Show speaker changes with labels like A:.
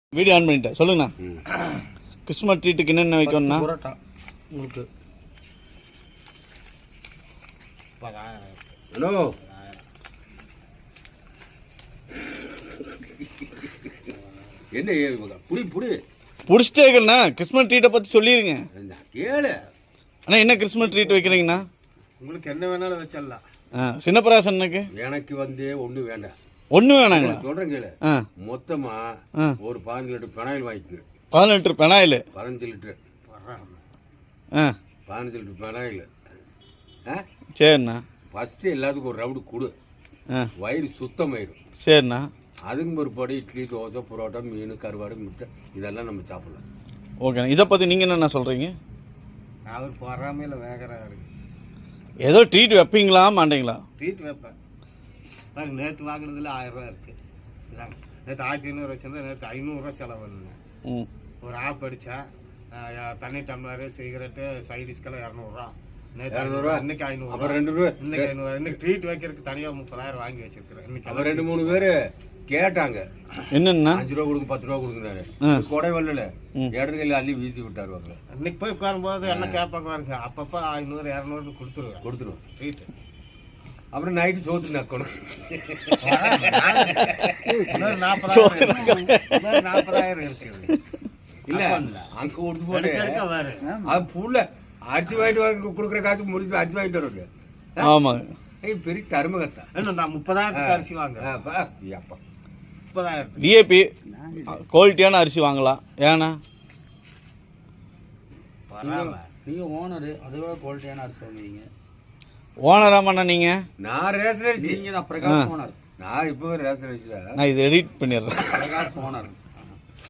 A: Video on பண்ணிட்டேன் சொல்லுங்கண்ணா. Christmas ட்ரீட்டுக்கு என்னென்ன வைக்கணும்னா
B: பரோட்டா உங்களுக்கு
C: ஹலோ என்ன புடி புடி
A: பிடிச்சிட்டே இருக்கண்ணா. கிறிஸ்மஸ் ட்ரீட்டை பற்றி சொல்லிடுங்க
C: கேளு.
A: அண்ணா என்ன கிறிஸ்மஸ் ட்ரீட் வைக்கிறீங்கண்ணா?
B: உங்களுக்கு என்ன வேணாலும் வச்சிடலாம்.
A: சின்னப்பராசனுக்கு
C: எனக்கு ஒன்றும் வேண்டாம்.
A: ஒன்றும் வேணாங்களா?
C: சொல்கிறேன் கேளு. மொத்தமா ஒரு 15 லிட்டர் பெனாயில் வாங்கிக்கோங்க.
A: 15 litre phenyl?
C: 15 litre 15 litre phenyl.
A: சரிண்ணா.
C: ஃபஸ்ட்டு எல்லாத்துக்கும் ஒரு ரவுண்டு கொடு, வயிறு சுத்தமாயிடும்.
A: சரிண்ணா.
C: அதுக்கு பிற்பாடு இட்லி, தோசை, புரோட்டா, மீன், கருவாடு, முட்டை இதெல்லாம் நம்ம சாப்பிடலாம்.
A: ஓகேண்ணா. இதை பற்றி நீங்கள் என்னென்ன சொல்கிறீங்க?
B: அவர் பொறாமையில் வேகறாரு.
A: ஏதோ ட்ரீட் வைப்பீங்களா மாட்டீங்களா?
B: ட்ரீட் வைப்பேன். நேற்று வாங்கினதுல 1000 ரூபா இருக்குது. இதாங்க நேற்று 1500 வச்சிருந்தா நேற்று 500 ரூபா செலவு பண்ணேன். ஒரு ஆப் அடித்தா தண்ணி டம்ளரு, சிகரெட்டு, சைடிஷ்கெல்லாம் 200 ரூபா. நேற்று இன்னைக்கு 500,
C: அப்புறம் 2 ரூபா,
B: இன்னைக்கு 500. இன்னைக்கு ட்ரீட் வைக்கிறதுக்கு தனியாக 30,000 வாங்கி வச்சிருக்கிறேன். இன்னைக்கு
C: அப்புறம் 2-3 பேர் கேட்டாங்க,
A: என்னன்னா
C: 5 ரூபா கொடுங்க, 10 ரூபா கொடுக்குறாரு. கொடை வரல இடத்துல அள்ளி வீசி விட்டாரு. வாங்கல
B: இன்னைக்கு போய் உட்காரும்போது எல்லாம் கேட்பாங்க பாருங்க. அப்பப்போ 500 200 கொடுத்துருவேன் ட்ரீட்.
C: அப்புறம் நைட்டு சோத்து நக்கணும்.
B: 40,000 இருக்குது.
C: இல்ல அங்க கொடுத்து போட்டு அது புள்ள அரிசி வாங்கிட்டு வாங்கி கொடுக்குற காசு முடிச்சு அரிசி வாங்கிட்டு வருவாங்க.
A: ஆமாங்க.
C: பெரிய தருமகத்தா.
B: நான் 30,000 அரிசி வாங்குறேன். 30,000
A: விஐபி குவாலிட்டியான அரிசி வாங்கலாம். ஏன்னா
B: நீங்க ஓனரு, அதுவே குவாலிட்டியான அரிசி வாங்குவீங்க.
A: ஓனராமாண்ணா நீங்கள்?
C: நான் ரேஷன் அரிசி.
B: நீங்க தான் பிரகாஷ் ஓனர்.
C: நான் இப்போ ரேஷன் அரிசி தான்.
A: நான் இதை எடிட் பண்ணிடுறேன்.
B: பிரகாஷ் ஓனர்.